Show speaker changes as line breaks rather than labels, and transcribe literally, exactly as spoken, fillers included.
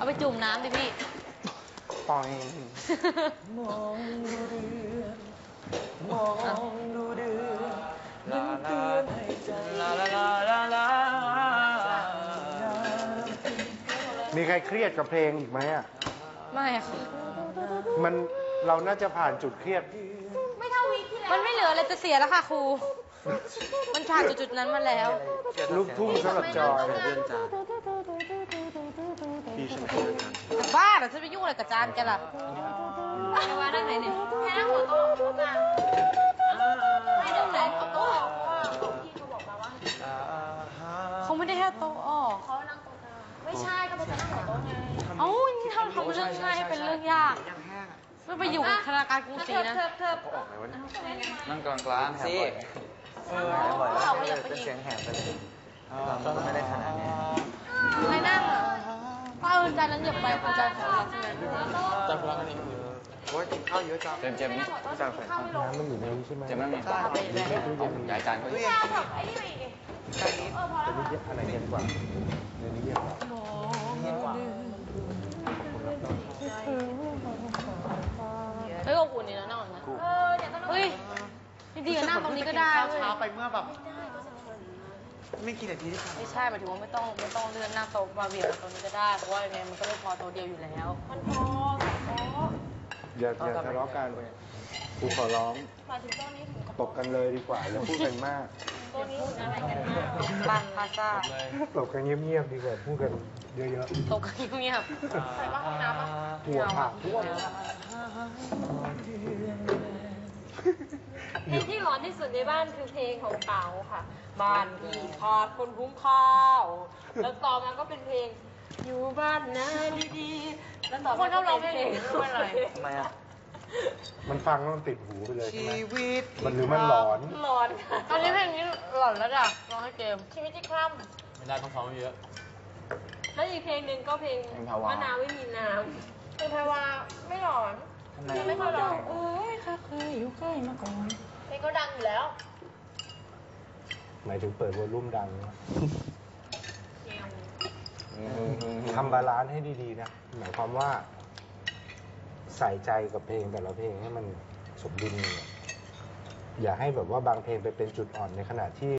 เอาไปจุ่มน้ำดิพี่
ปอยมองดูเดือนมองดูเดือนมันเตือนให้ใจลาลาลาลาลา
มีใครเครียดกับเพลงอีกไหมอ่ะ
ไม่ค่ะ
มันเราน่าจะผ่านจุดเครียด
ไม่เท่าวีที่แล้วมันไม่เหลืออะไรจะเสียแล้วค่ะครูมันผ่านจุดๆนั้นมาแล้ว
ลูกทุ่งสำหรับจอย
เรื่องจานพี่ฉันเป็นจาน
แต่บ้าเหรอฉันไปยุ่งอะไรกับจานแกล่ะแกว่าได้ไหนเนี่ยแค่นั่งหัวโต๊ะโต๊ะจานให้เดี๋ยวไหนเอาโต๊ะออกเพราะว่าพี่เขาบอกมาว่าเขาไม่ได้แค่โต๊ะออกเขานั่งโต๊ะกลางไม่ใช่ก็จะนั่งหัวโต๊ะไงเอ้านี่ทำทำเรื่องง่ายให้เป็นเรื่องยากไม่ไปอยู่ธนาคารกรุงศรีนะ
นั่งกลางกลางสิเออ
เราขยับไปอีก
เสียงแหบไปเลยเราไม่ได้ขนาดนี้
ใครนั่งอ่ะป้าเอิญจานนั้นเหยียบไปคุณจานของเราใช่ไหม
จานพลังนี่โอ้ยกินข้าวเยอะจังเจมเจมนี่จานแฝง
น้ำมันอยู่ในนี้ใช่ไหม
เจมนั่งนี่ใหญ่จานก็เยอะ
ไอ้นี่ไปอีก
เออพอแล้วอะไรเย็นกว่าเดี๋ยวนี้เย็นกว่า
เย็นกว่า
เฮ้ยอบอุ่นนี่นะนั่งนะเออเดี๋ยวต้องเฮ้ยจริงๆนั่งตรงนี้ก็ได้เว้ย
ช้าไปเมื่อแบบไม่กี่นาทีที่ผ่าน
ไม่ใช่หมายถึงว่าไม่ต้องไม่ต้องเลื่อนหน้าโต๊ะมาเบียดตรงนี้ก็ได้เพราะว่าเนี่ยมันก็ไม่พอโต๊ะเดียวอยู่แล้วมันพอพอ
อย่าอย่าทะเลาะกันกูขอร้อง
มาถึงโต๊ะนี้ถึง
ตกกันเลยดีกว่าอย่าพูดกันมาก
โต๊ะนี้อะไรกันมากบ้านพาซ่า
ตกกันเงียบๆดีกว่าพูดกันเยอะ
ๆตกกันเงียบๆใส่บ้างห้องน้ำป่ะ
หัวผักทั่ว
เพลงที่ร้อนที่สุดในบ้านคือเพลงของเต๋าค่ะบ้านพี่ขาดคนคุ้มข้าว แล้วต่อมาก็เป็นเพลงอยู่บ้านนาดีๆแล้วต่อมาก็เป็นเพลงไม่อะไร
ทำไมอ่ะ
มันฟังแล้วมันติดหูไปเลยใช่ไหมมันหรือมัน
หล
อน
หลอนตอนนี้เพลงนี้หลอนแล้วจ้ะร้องให้เกมชีวิตที่คล่ำ
ไม่ได้ต้องซ้อมเยอะ
แล้วอีกเพลงหนึ่งก็เพลงมะนาวไม่มีน้ำเพลงแพรวาไม่หลอนไม่ค่อยหลอนเอ้ยค่ะเคยอยู่ใกล้มาก่อนเพลงก็ดังอยู่แล้ว
หมายถึงเปิดวอลลุ่มดังทำบาลานซ์ให้ดีๆนะหมายความว่าใส่ใจกับเพลงแต่ละเพลงให้มันสมดุลอย่าให้แบบว่าบางเพลงไปเป็นจุดอ่อนในขณะที่